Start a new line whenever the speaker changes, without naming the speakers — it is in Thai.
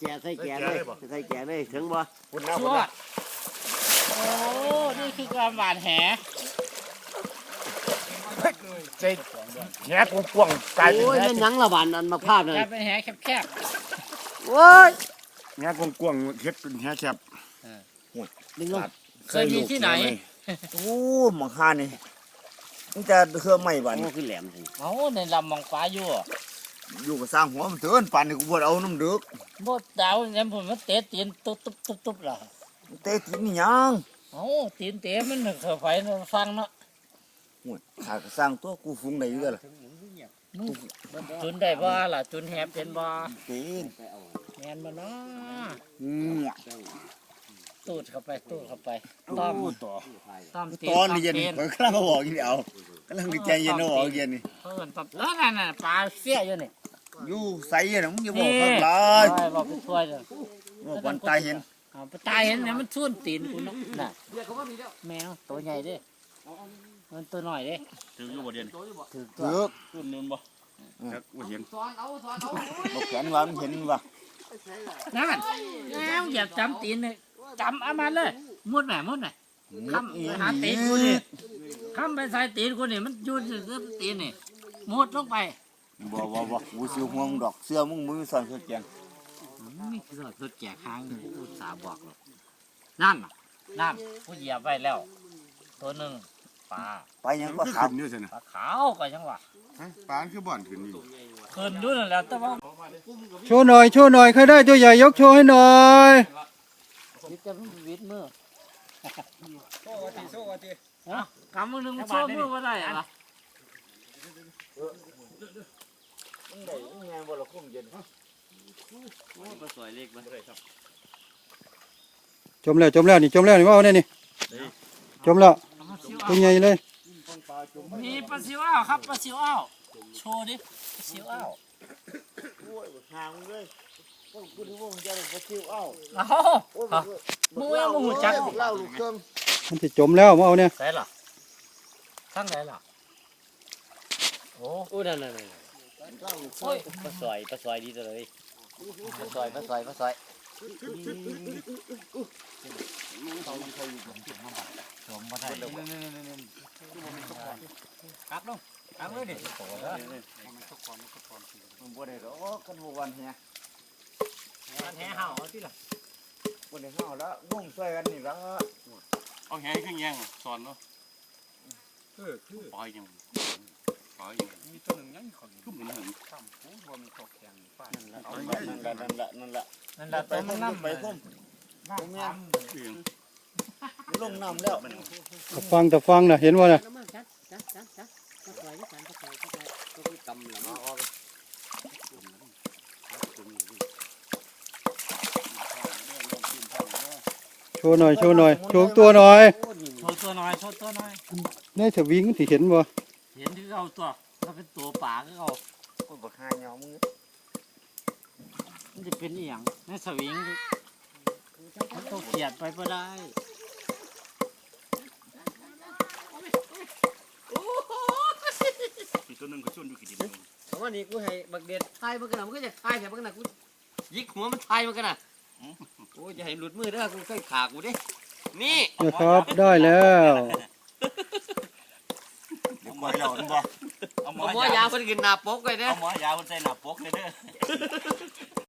แกะใส่แกะเลยใส่แกะเลยถึงบ่
ชั่วโอ้นี่คือความหวานแห
ใจแหกกว้างๆกลายเป็น
โอ้ย
แห
นั่นยังละบานอันมาภาพนั่น
กลายเป็นแหแคบ
โอ้ย
แหกกว้างๆเฮ็ดเป็นแหแคบ
ดึงลง
ๆเคยมีที่ไหน
โอ้หมังคานี่มันจะเครื่องไม่บ้าน
โอ้คือแหลมสิ
เอาในลำมองฟ้าอยู่
อยู่กับสร้างหัวมันเถินป่านนี้กูบ่เอาน้ำดึก
บดดาวเนี่ยผมมันเตะตีนตุ๊บล่ะ
เตะกินนี่ยัง
เอาตีนเตะมันเข้าไปฟังเนาะ
โอ้ยข้าก็สร้างตัวกูฟุ้งได้อยู่แล้วล่ะ
จุนได้บ่ล่ะจุนแหบเป็นบ่
เป็น
แมนบ่เนาะ
งัว
ตูดเข้าไปต้อม
ต่อ
ต้อมตีน
ตอนนี้เย็น
ต้อม
เพิ่นกำลังเอาออกอยู่นี่เอากำลังดีใจเย็นเอาออกเย็นนี่
เพิ่นปั๊บนั่นปลาเสี้ยอยู่นี่
อยู่ใส่น่ะมึงอย่าบอกข้างหลาย
บอกไปช่วยเลย
บอกวันตายเห็น
ไปตายเห็นเนี่ยมันทุ่นตีนกูเนาะน่ะแมวตัวใหญ่เด้มันตัวน้อยเด้
ถึงอยู่บ่เดียน
ถือ
เถือก
ขึ้นนู่นบ่จักบ่เห็น
บอกแขนว่ามันเห็นว่ะ
นั่นแล้วอย่าจำตีนเลยจำเอามาเลยมุดไหนคำไปหาตีนกูนี่คำไปใส่ตีนกูนี่มันยืนซื้อตีนนี่มุดลงไป
บ่กูสิห่วงดอกเสื้อมึงมือสั่นสุดแจง
นี่คือสุดแก่ค้างอุตสาห์บอกหรอกนั่นผู้เหยียบไว้แล้ว ตัวหนึ่งปลา
ไปยัง
มัน
ก็
คือ
ขาว
ขึ้นอยู่ซั่นน่ะ
ปลาขาวก็ยังว่า
ฮะปานคือบ่อนขึ้นอยู่
ขึ้นด้วยนั่นแหละแต่ว่า
โชว์หน่อยใครได้ตัวใหญ่ยกโชว์ให้หน่อย
วิทย์จะวิทย์มือโซ่กะติกำมือหนึ่งโซ่มือว่าได้อะ
มึงได้มึงไงบ่ละคุ้มเย็น
ก็สวยเล็กบ่ได้ครับ
จมแล้วนี่ว่าเอาเนี่ยนี่จมแล้วตัวใหญ่เลย
มีปลาซิวอ้าวครับปลาซิวอ้าวโชว์ดิปลาซิวอ้าว
โอ้ยห่างเลยพวกกูนึกว่ามึงจะได้บ่ซิวเอ้า
เอามึงยังมึงหูจัก
เล่าลูกเครื่อง
มันจะจมแล้วมาเอาเนี่ย
ใส่หรอทั้งไหนล่ะโอ้
โอ้นั่น
เล่าลูกเครื่
โอ้
อง
ย
ปลาซอยดีตัวเลยปลาซอย
ผมมาได้ครับลงครับเลยดิ
มึงบ่ได้ดอกกันบ่วันเฮีย
มันแห่เห่าที่ล่ะ
บ่ได้เฮาแล้วงงช่วยกันนี่ละ
เอาแหขึ้นแยงสอนเนาะคือปล่อยยังมีตัวนึงยังของคือมันหึงซ้ำกูบ่มีตกแข็งป้านั่นละ
นั่นละ
นั่นแหละตัวมันน้ำ
ไปพุ่มผมเนี่ย
เอง
ลงน้ำแล้ว
ตะฟังน่ะเห็นว่าน่ะ
กำหลังออก
โชว์หน่อยโชว์ตัวหน่อย
โชว์ตัวน้อย
ในสวิงสิเห็นบ่
เห็นที่เอาตัวถ้าเป็นตัวป่าก็เอา
กูบักหาเหยามึง
มันจะเป็นอีหยังในสวิงมันต้องเขียดไปก็ได้
มีตัวนึงก็ชวนอยู่กี่ดิบ
เพราะว่านี่กูให้บักเด็ดทายมันกันน่ะมันก็จะทายแต่มันกันน่ะกูยิกหัวมันทายมันกันน่ะโอ้ยอย่าให้หลุดมือเด้อกูเคยขากูเด้นี่
นะครับได้แล้ว
เดี๋ยวปล่อยเราบ่
เอาหมอยาเพิ่นกินหน้าปกไว้เด้อ
เอาหมอยาคนใส่หน้าปกเลยเด้อ